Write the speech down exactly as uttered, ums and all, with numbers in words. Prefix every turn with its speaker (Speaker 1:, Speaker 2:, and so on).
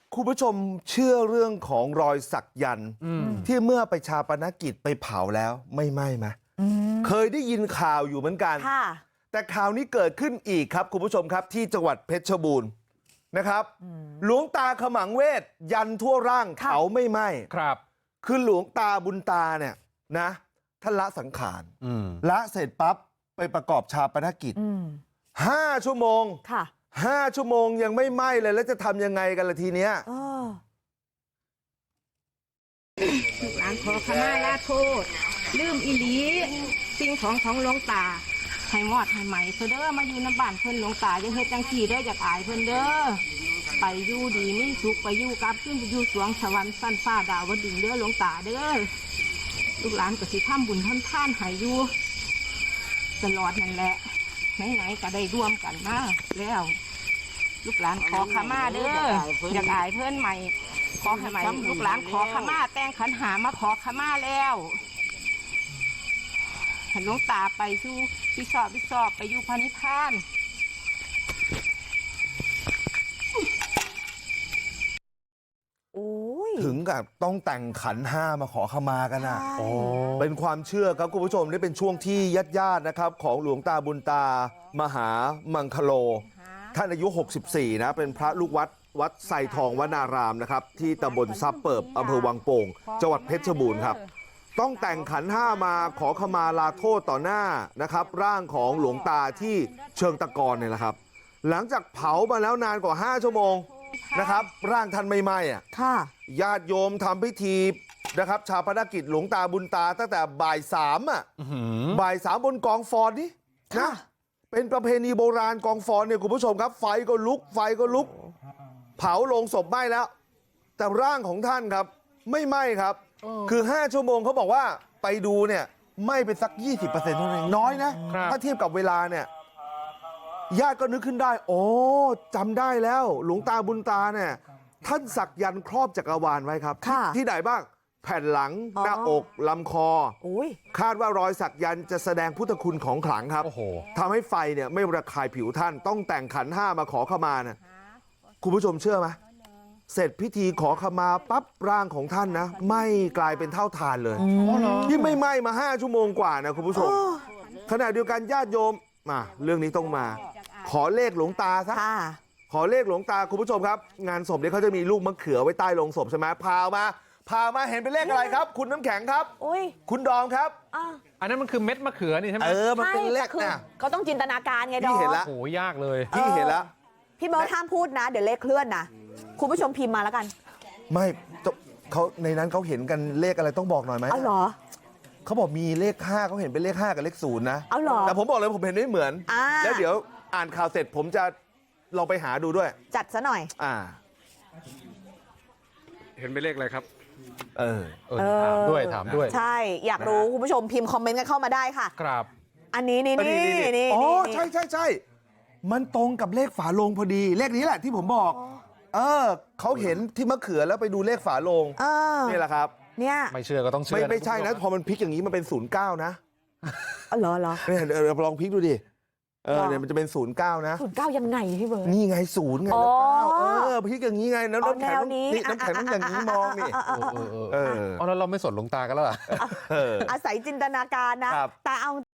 Speaker 1: คุณผู้ชมเชื่อเรื่องของรอยสักยันต์ที่เมื่อไปชาปนกิจไปเผาแล้วไม่ไหม้ไหมเคยได้ยินข่าวอยู่เหมือนกันแต่ข่าวนี้เกิดขึ้นอีกครับคุณผู้ชมครับที่จังหวัดเพชรบูรณ์นะครับหลวงตาขมังเวทยันทั่วร่างเผาไม่ไหม้ครับคือหลวงตาบุญตาเนี่ยนะท่านละสังขารละเสร็จปั๊บไปประกอบชาปนกิจห้าชั่วโมงค่ะห้าชั่วโมงยังไม่ไหม้เลยแล้วจะทำยังไงกันล่ะทีเนี้ย
Speaker 2: ลูกหลานขอขมาลาโทษลืมอีหลีสิ่งของของหลวงตาให้หมอดให้ไหมเด้อมาอยู่ในบ้านเพิ่นหลวงตาอย่าเฮ็ดจังซี่เด้ออยากอายเพิ่นเด้อไปอยู่ดีมีสุขไปอยู่กับขึ้นไปอยู่สวงสวรรค์สั้นฟ้าดาวดึงเด้อหลวงตาเด้อลูกหลานก็สิทำบุญทำทานให้อยู่ตลอดนั่นแหละไหนๆก็ได้ร่วมกันมาแล้วลูกหลานขอขมาเด้ออยากอายเพิ่นใหม่ขอให้ใหม่ลูกหลานขอขมาแต่งขันหามาขอขมาแล้วให้หลวงตาไปสู่พิสอบพิสอบไปอยู่พระนิพพาน
Speaker 1: ถึงกับต้องแต่งขันห้ามาขอขมากันนะเป็นความเชื่อครับคุณผู้ชมนี่เป็นช่วงที่ญาติญาตินะครับของหลวงตาบุญตามหามังคโลท่านอายุหกสิบสี่นะเป็นพระลูกวัดวัดไซทองวนารามนะครับที่ตำบลซับเปิบอำเภอวังโป่งจังหวัดเพชรบูรณ์ครับต้องแต่งขันห้ามาขอขมาลาโทษต่อหน้านะครับร่างของหลวงตาที่เชิงตะกอนเนี่ยแหละครับหลังจากเผามาแล้วนานกว่าห้าชั่วโมงนะครับร่างท่านไม่ไหม้อ่ะญาติโยมทำพิธีนะครับชาปนกิจหลวงตาบุญตาตั้งแต่บ่ายสามอ่ะบ่ายสามบนกองฟอนนี่นะเป็นประเพณีโบราณกองฟอนเนี่ยคุณผู้ชมครับไฟก็ลุกไฟก็ลุกเผาลงศพไหม้แล้วแต่ร่างของท่านครับไม่ไหม้ครับคือห้าชั่วโมงเขาบอกว่าไปดูเนี่ยไหม้ไปสัก ยี่สิบเปอร์เซ็นต์ เท่านั้นเองน้อยนะถ้าเทียบกับเวลาเนี่ยญาติก็นึกขึ้นได้โอ้จำได้แล้วหลวงตาบุญตาเนี่ยท่านสักยันต์ครอบจักรวาลไว้ครับที่ไหนบ้างแผ่นหลังหน้าอกลำคอคาดว่ารอยสักยันต์จะแสดงพุทธคุณของขลังครับทำให้ไฟเนี่ยไม่ระคายผิวท่านต้องแต่งขันห้ามาขอขมานะคุณผู้ชมเชื่อไหมเสร็จพิธีขอขมาปั๊บร่างของท่านนะไหม้กลายเป็นเท่าฐานเลยที่ไม่ไหม้มาห้าชั่วโมงกว่านะคุณผู้ชมขณะเดียวกันญาติโยมมาเรื่องนี้ต้องมาขอเลขหลวงตาซะขอเลขหลวงตาคุณผู้ชมครับงานศพเนี่ยเขาจะมีลูกมะเขือไว้ใต้โลงศพใช่ไหมพามาพามาเห็นเป็นเลขอะไรครับคุณน้ำแข็งครับคุณดอมครับ
Speaker 3: อันนั้นมันคือเม็ดมะเขือนี่ใช่ไหม
Speaker 1: เออมันเป็นเลขนะ
Speaker 4: เขาต้องจินตนาการไงดอม
Speaker 1: พี่เห็นแล้ว
Speaker 3: โอ้ยากเลย
Speaker 1: พี่เห็นแล้ว
Speaker 4: พี่เบิร์ดห้ามพูดนะเดี๋ยวเลขเคลื่อนนะคุณผู้ชมพิมพ์มาแล้วกัน
Speaker 1: ไม่เขาในนั้นเขาเห็นกันเลขอะไรต้องบอกหน่อยไหม
Speaker 4: เอาเหรอ
Speaker 1: เขาบอกมีเลขห้าเขาเห็นเป็นเลขห้ากับเลขศูนย์นะ
Speaker 4: เอาเหรอ
Speaker 1: แต่ผมบอกเลยผมเห็นไม่เหมือนแล้วเดี๋ยวอ่านข่าวเสร็จผมจะลองไปหาดูด้วย
Speaker 4: จัดซะหน่อย
Speaker 1: อ่า
Speaker 3: เห็นเป็นเลขอะไรครับ
Speaker 1: เออ
Speaker 3: ถามด้วยถามด้วย
Speaker 4: ใช่อยากรู้คุณผู้ชมพิมพ์คอมเมนต์กันเข้ามาได้ค่ะ
Speaker 3: ครับ
Speaker 4: อันนี้นี่นี่นี่
Speaker 1: อ๋อใช่ใช่ใช่มันตรงกับเลขฝาโลงพอดีเลขนี้แหละที่ผมบอกเออเขาเห็นที่มะเขือแล้วไปดูเลขฝาโลงนี่แหละครับ
Speaker 4: เนี่ย
Speaker 3: ไม่เชื่อก็ต้องเชื่อ
Speaker 1: ไม่ไม่ใช่นะพอมันพลิกอย่างนี้มันเป็นศูนย์เก้านะ
Speaker 4: อ๋อเหรอเหรอ
Speaker 1: เนี่ยลองพลิกดูดิเออเนี่ยมันจะเป็นศูนย์เก้านะ
Speaker 4: ศูนย์เก้ายังไงพี่เบิร์ด
Speaker 1: นี่ไงศูนย์ไงแล้วเก้าเออพลิกอย่างนี้ไงแล้วน้ำแข็งนี่น้ำแข็งต้องอย่างนี้มองนี่
Speaker 3: เออเออแล้วเราไม่สนหลวงตากันแล้วอ่ะ
Speaker 4: อาศัยจินตนาการนะแต่เอา